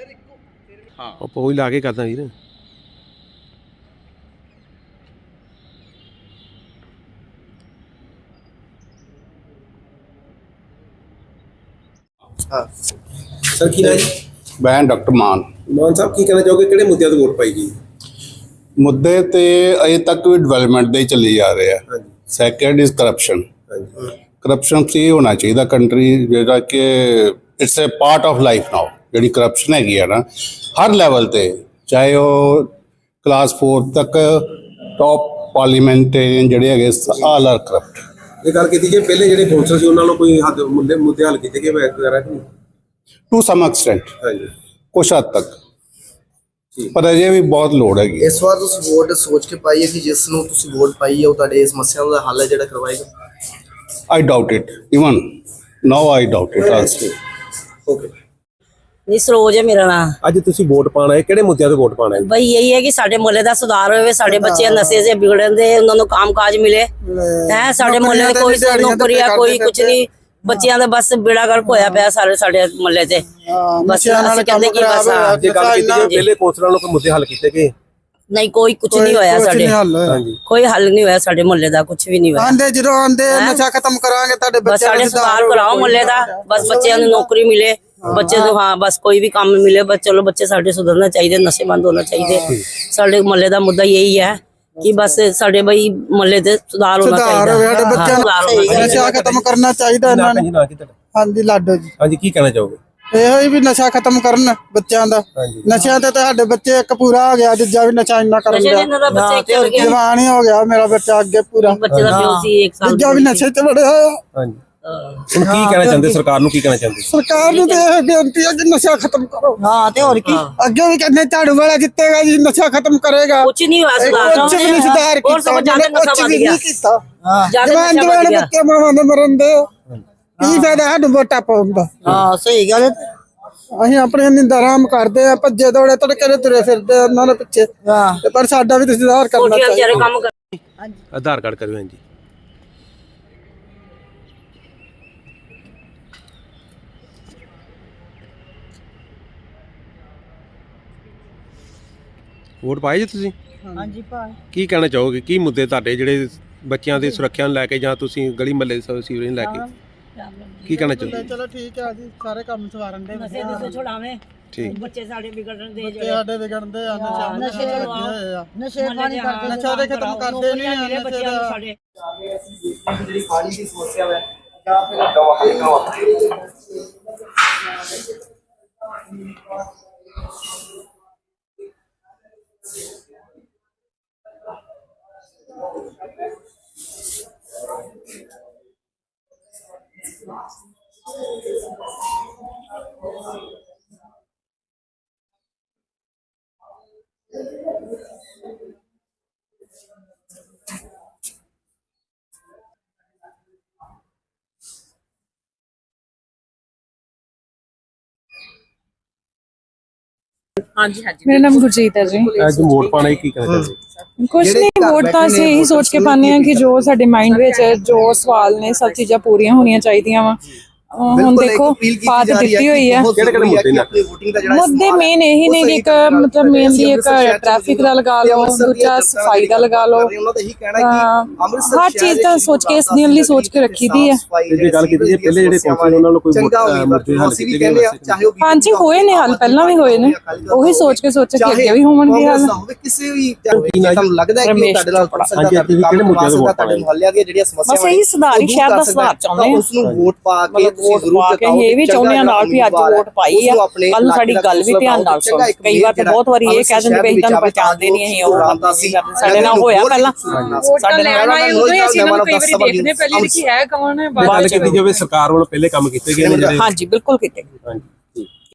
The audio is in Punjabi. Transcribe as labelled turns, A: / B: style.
A: हाँ ਆਪਾਂ ਉਹੀ ਲਾ ਕੇ ਕਰਦਾ ਵੀਰ।
B: हाँ सर की नाम जी?
C: मैं डॉक्टर मान
B: साहब की कहना चाहोगे किहड़े मुद्दे ते वोट पाई गई?
C: मुद्दे ते अजे तक भी डिवेलपमेंट दे चली जा रहे हैं। Second is corruption. Corruption free होना चाहिए कंट्री, जेड़ा कि it's a part of life now. जी करप्शन हैगी है ना हर लैवल ते, चाहे वो क्लास 4 तक टॉप पार्लीमेंटेरियन जेडे है ऑल आर करप्ट।
B: ये गल की जे पहले जेडे कौंसल सी उन्हां नालों कोई हद मुद्दे हल कीते गए वगैरह कि नहीं?
C: टू सम एक्सटेंट
B: हाँ जी
C: कुछ हद तक, पर अजे भी बहुत लोड़ हैगी।
D: इस बार तुसीं वोट सोच के पाई है कि जिस नूं तुसीं वोट पाई है वो तुहाडे समस्यावां दा हल है जेड़ा करवाएगा?
C: I doubt it, even now I doubt it also.
D: Okay
E: ਨੀ ਸਰੋਜ ਹੈ ਮੇਰਾ ਨਾਮ।
B: ਅੱਜ ਤੁਸੀਂ ਵੋਟ ਪਾਣਾ ਹੈ, ਕਿਹੜੇ ਮੁੱਦਿਆਂ ਤੇ ਵੋਟ ਪਾਣਾ ਹੈ?
E: ਬਈ ਇਹੀ ਹੈ ਕਿ ਸਾਡੇ ਮੁਹੱਲੇ ਦਾ ਸੁਧਾਰ ਹੋਵੇ, ਸਾਡੇ ਬੱਚੇ ਨਸ਼ੇ ਸੇ ਵਿਗੜਨ ਦੇ, ਉਹਨਾਂ ਨੂੰ ਕੰਮਕਾਜ ਮਿਲੇ ਹੈ। ਸਾਡੇ ਮੁਹੱਲੇ ਵਿੱਚ ਕੋਈ ਨੌਕਰੀ ਆ ਕੋਈ ਕੁਝ ਨਹੀਂ, ਬੱਚਿਆਂ ਦਾ ਬਸ ਬੇੜਾ ਗਰਕ ਹੋਇਆ ਪਿਆ ਸਾਰੇ ਮੁਹੱਲੇ ਤੇ। ਬਸ ਅਸੀਂ ਕਹਿੰਦੇ ਕਿ ਬਸ
B: ਜੇ ਗੱਲ ਕੀਤੀ ਜੇ ਪਹਿਲੇ ਕੌਂਸਲਰਾਂ ਨੂੰ ਕੋਈ ਮੁੱਦੇ ਹੱਲ ਕੀਤੇ ਗਏ?
E: ਨਹੀਂ ਕੋਈ ਕੁਝ ਨਹੀਂ ਹੋਇਆ ਸਾਡੇ, ਕੋਈ ਹੱਲ ਨਹੀਂ ਹੋਇਆ ਸਾਡੇ ਮੁਹੱਲੇ ਦਾ, ਕੁਝ ਵੀ ਨਹੀਂ ਹੋਇਆ।
F: ਆਂਦੇ ਜਦੋਂ ਆਂਦੇ ਨਸ਼ਾ ਖਤਮ ਕਰਾਂਗੇ ਤੁਹਾਡੇ
E: ਬਸ
F: ਬੱਚਿਆਂ
E: ਸਾਡੇ
F: ਨੂੰ
E: ਸੁਧਾਰ ਕਰਾਓ ਮੁਹੱਲੇ ਦਾ, ਬਸ ਬੱਚਿਆਂ ਨੂੰ ਨੌਕਰੀ ਮਿਲੇ, ਬੱਚੇ ਨੂੰ ਹਾਂ ਬਸ ਕੋਈ ਵੀ ਕੰਮ ਮਿਲੇ, ਬਸ ਚਲੋ ਬੱਚੇ ਸਾਡੇ ਸੁਧਰਨਾ ਚਾਹੀਦੇ, ਨਸ਼ੇ ਬੰਦ ਹੋਣਾ ਚਾਹੀਦੇ। ਸਾਡੇ ਮੁਹੱਲੇ ਦਾ ਮੁੱਦਾ यही है कि बस ਸਾਡੇ ਬਈ ਮੁਹੱਲੇ ਤੇ ਸੁਧਾਰ ਹੋਣਾ ਚਾਹੀਦਾ,
F: ਸਾਡੇ ਬੱਚਿਆਂ ਨੂੰ ਨਸ਼ਾ ਖਤਮ ਕਰਨਾ ਚਾਹੀਦਾ ਇਹਨਾਂ ਨੇ। ਹਾਂਜੀ ਲਾਡੋ ਜੀ।
B: ਹਾਂਜੀ ਕੀ ਕਹਿਣਾ ਚਾਹੋਗੇ?
F: ਇਹੋ ਹੀ ਵੀ ਨਸ਼ਾ ਖਤਮ ਕਰਨ ਬੱਚਿਆਂ ਦਾ। ਨਸ਼ਿਆਂ ਤੇ ਸਾਡੇ ਬੱਚੇ ਇੱਕ ਪੂਰਾ ਹੋ ਗਿਆ, ਦੂਜਾ ਵੀ ਨਸ਼ਾ ਇੰਨਾ ਕਰਨ ਗਿਆ, ਜਵਾਨ ਹੀ ਹੋ ਗਿਆ ਮੇਰਾ ਬੱਚਾ ਅੱਗੇ ਪੂਰਾ,
E: ਬੱਚੇ ਦਾ ਪਿਓ ਸੀ 1 ਸਾਲ
F: ਦੂਜਾ ਵੀ ਨਸ਼ੇ ਚ ਵੜਿਆ ਹੋਇਆ।
B: ਹਾਂਜੀ ਹੁਣ ਕੀ ਕਹਿਣਾ ਚਾਹੁੰਦੇ ਸਰਕਾਰ ਨੂੰ, ਕੀ ਕਹਿਣਾ ਚਾਹੁੰਦੇ?
F: ਸਰਕਾਰ ਨੂੰ ਤੇ ਇਹ ਬੇਨਤੀ ਹੈ ਕਿ ਨਸ਼ਾ ਖਤਮ ਕਰੋ।
E: ਹਾਂ ਤੇ ਹੋਰ ਕੀ,
F: ਅੱਗੇ ਵੀ ਕਹਿੰਦੇ ਝਾੜੂ ਵਾਲਾ ਜਿੱਤੇਗਾ ਜੀ, ਨਸ਼ਾ ਖਤਮ ਕਰੇਗਾ।
E: ਕੁਝ ਨਹੀਂ ਹੋਇਆ ਸੁਧਾਰ,
F: ਕੁਝ ਵੀ ਨਹੀਂ ਸੁਧਾਰ ਕੀਤਾ,
E: ਹੋਰ ਸਭ ਜ਼ਿਆਦਾ ਨਸ਼ਾ ਵੱਧ ਗਿਆ,
F: ਜਵਾਨ ਜਵਾਨ ਬੱਚੇ ਮਾਵਾਂ ਦੇ ਮਰਨ ਦੇ ਕੀ ਫਾਇਦਾ ਸਾਨੂੰ ਵੋਟਾਂ ਪਾਉਣ ਦਾ?
E: ਹਾਂ ਸਹੀ ਗੱਲ ਹੈ।
F: ਅਸੀਂ ਆਪਣੇ ਨਿੰਦਾ ਆਰਾਮ ਕਰਦੇ ਆ, ਭੱਜੇ ਦੌੜੇ ਤੜਕੇ ਦੇ ਤੁਰੇ ਫਿਰਦੇ ਆ ਉਹਨਾਂ ਦੇ ਪਿੱਛੇ, ਪਰ ਸਾਡਾ ਵੀ ਸੁਧਾਰ ਕਰਨਾ ਚਾਹੀਦਾ।
E: ਕੰਮ ਕਰ
A: ਆਧਾਰ ਕਾਰਡ ਕਰਿਓ। ਹਾਂਜੀ ਵੋਟ ਪਾਏ ਜੀ ਤੁਸੀਂ?
F: ਹਾਂਜੀ ਭਾਈ
A: ਕੀ ਕਹਿਣਾ ਚਾਹੋਗੇ, ਕੀ ਮੁੱਦੇ ਤੁਹਾਡੇ ਜਿਹੜੇ ਬੱਚਿਆਂ ਦੀ ਸੁਰੱਖਿਆ ਨੂੰ ਲੈ ਕੇ ਜਾਂ ਤੁਸੀਂ ਗਲੀ ਮਹੱਲੇ ਦੀ ਸੀਵਰੇਜ ਨੂੰ ਲੈ ਕੇ ਕੀ ਕਹਿਣਾ ਚਾਹੋਗੇ?
F: ਚਲੋ ਠੀਕ ਹੈ ਜੀ, ਸਾਰੇ ਕੰਮ ਸਵਾਰਨ ਦੇ
E: ਨਸ਼ੇ ਤੋਂ ਛੁਡਾਵੇਂ,
A: ਠੀਕ,
E: ਬੱਚੇ ਸਾਡੇ ਵਿਗੜਨ ਦੇ,
F: ਬੱਚੇ ਸਾਡੇ ਵਿਗੜਦੇ ਆ, ਨਸ਼ੇ ਹੋਏ ਆ,
E: ਨਸ਼ੇ ਪਾਣੀ ਕਰਦੇ,
F: ਨਸ਼ਾ ਦੇ ਖਤਮ ਕਰਦੇ ਨਹੀਂ ਆ ਨਸ਼ੇ ਦਾ।
E: ਸਾਡੇ
D: ਜਿਹੜੀ ਪਾਣੀ ਦੀ ਸਮੱਸਿਆ ਹੈ
G: मेरा नाम गुरजीत है जी।
B: ਅੱਜ ਵੋਟ ਪਾਣਾ ਕੀ ਕਹਿਣਾ ਚਾਹੁੰਦੇ?
G: कुछ नहीं, वोट तो ਅਸੀਂ ਇਹੀ ਸੋਚ ਕੇ ਪਾਉਂਦੇ ਹਾਂ ਕਿ ਜੋ ਸਾਡੇ ਮਾਈਂਡ ਵਿੱਚ ਜੋ ਸਵਾਲ ਨੇ ਸਭ ਚੀਜ਼ਾਂ ਪੂਰੀਆਂ ਹੋਣੀਆਂ ਚਾਹੀਦੀਆਂ ਵਾ। ਹੁਣ ਦੇਖੋ ਬਾਤ ਦਿੱਤੀ ਹੋਈ ਹੈ,
B: ਕਿਹੜੇ ਕਿਹੜੇ ਮੁੱਦੇ ਨੇ?
G: ਮੁੱਦੇ ਮੇਨ ਇਹੀ ਨੇ ਕਿ ਇੱਕ ਮਤਲਬ ਮੇਨਲੀ ਇੱਕ ਟ੍ਰੈਫਿਕ ਦਾ ਲਗਾ ਲਓ, ਦੂਜਾ ਸਫਾਈ ਦਾ ਲਗਾ ਲਓ, ਹਰ ਚੀਜ਼ ਤਾਂ ਸੋਚ ਕੇ ਇਸ ਦਿਨ ਲਈ ਸੋਚ ਕੇ ਰੱਖੀ ਦੀ ਹੈ।
B: ਜੇ ਗੱਲ ਕੀਤੀ ਜੇ ਪਹਿਲੇ ਜਿਹੜੇ ਕੌਂਸਲ ਉਹਨਾਂ ਨੂੰ ਕੋਈ ਮੁੱਦੇ ਹੱਲ ਕੀਤੇ ਗਏ?
G: ਹਾਂਜੀ ਹੋਏ ਨੇ ਹੱਲ, ਪਹਿਲਾਂ ਵੀ ਹੋਏ ਨੇ, ਉਹੀ ਸੋਚ ਕੇ ਅੱਗੇ ਵੀ ਹੋਣਗੇ ਹੱਲ।
D: ਕਿਸੇ ਵੀ ਤੁਹਾਨੂੰ ਲੱਗਦਾ ਹੈ ਕਿ ਤੁਹਾਡੇ ਨਾਲ ਪੜ ਸਕਦਾ
B: ਕਿਹੜੇ ਮੁੱਦਿਆਂ ਤੇ ਵੋਟ ਪਾਣਾ?
D: ਮੁਹੱਲਿਆਂ ਦੀਆਂ ਜਿਹੜੀਆਂ ਸਮੱਸਿਆਵਾਂ
E: ਬਸ ਇਹੀ ਸੁਧਾਰ ਹੀ, ਸ਼ਹਿਰ ਦਾ ਸੁਧਾਰ ਚਾਹੁੰਦੇ ਹਾਂ,
D: ਉਸ ਨੂੰ ਵੋਟ ਪਾ ਕੇ
E: ਵੋਟ ਪਾ ਕੇ ਇਹ ਵੀ ਚਾਹੁੰਦੇ ਆ ਨਾਲ ਵੀ ਅੱਜ ਵੋਟ ਪਾਈ ਆ, ਕੱਲ ਨੂੰ ਸਾਡੀ ਗੱਲ ਵੀ ਧਿਆਨ ਨਾਲ ਸੁਣ। ਕਈ ਵਾਰ ਤਾਂ ਬਹੁਤ ਵਾਰੀ ਇਹ ਕਹਿ ਦਿੰਦੇ ਵੀ ਤੁਹਾਨੂੰ ਪਛਾਣਦੇ ਨਹੀਂ, ਅਸੀਂ ਉਹ ਸਾਡੇ ਨਾਲ ਹੋਇਆ ਪਹਿਲਾਂ, ਸਾਡੇ ਨਾਲ
G: ਅਸੀਂ ਇਹਨਾਂ ਨੂੰ ਕਈ ਵਾਰੀ ਦੇਖਦੇ ਪਹਿਲੇ ਕਿ ਹੈ ਕੌਣ ਹੈ।
B: ਗੱਲ ਕੀਤੀ ਜਾਵੇ ਸਰਕਾਰ ਵੱਲੋਂ ਪਹਿਲੇ ਕੰਮ ਕੀਤੇ ਗਏ ਨੇ ਜਿਹੜੇ?
E: ਹਾਂਜੀ ਬਿਲਕੁਲ ਕੀਤੇ।